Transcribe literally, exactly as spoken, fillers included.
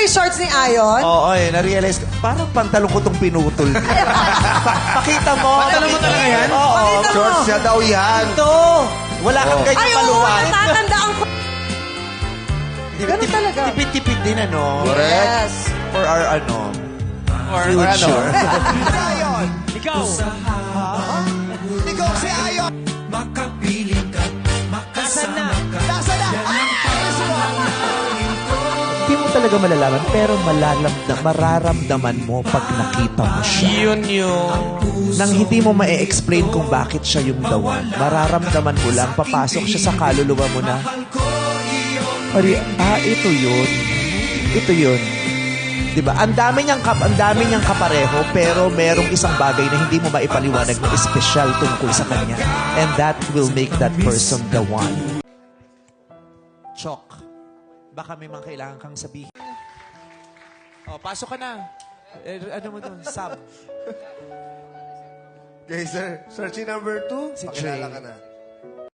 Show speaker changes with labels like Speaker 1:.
Speaker 1: yung shorts ni Ayon?
Speaker 2: Oo, eh, na-realize ko, parang pantalon ko itong pinutol. Pa- pakita mo.
Speaker 3: Pantalon mo talaga yan?
Speaker 2: Oo,
Speaker 1: Pakita mo.
Speaker 2: shorts niya daw yan. Ito. Wala kang ganyan
Speaker 1: Ay, oo,
Speaker 2: maluwang.
Speaker 1: natatandaan ko. Ganun talaga.
Speaker 2: Tipid-tipid din, ano?
Speaker 1: Yes.
Speaker 2: For our, ano,
Speaker 3: Or,
Speaker 2: future.
Speaker 4: Ayon.
Speaker 3: ikaw.
Speaker 4: Ikaw si Ayon.
Speaker 5: Makapiling ka, makasama ka.
Speaker 4: Nasa na? Ay,
Speaker 2: Hindi mo talaga malalaman, pero malalamdam, mararamdaman mo pag nakita mo siya.
Speaker 3: Yun yun.
Speaker 2: Nang hindi mo ma-explain kung bakit siya yung the one. Mararamdaman mo lang, papasok siya sa kaluluwa mo na, Ari, ah, ito yun. Ito yun. Diba? Ang dami niyang, kap ang dami niyang kapareho, pero merong isang bagay na hindi mo maipaliwanag na espesyal tungkol sa kanya. And that will make that person the one. Chok. Baka may mga kailangan kang sabihin. Oh, pasok ka na. Eh, ano mo doon? Sub.
Speaker 4: Okay, sir. Searching number two.
Speaker 2: Si
Speaker 4: Pakilala
Speaker 2: Jay.
Speaker 4: ka na.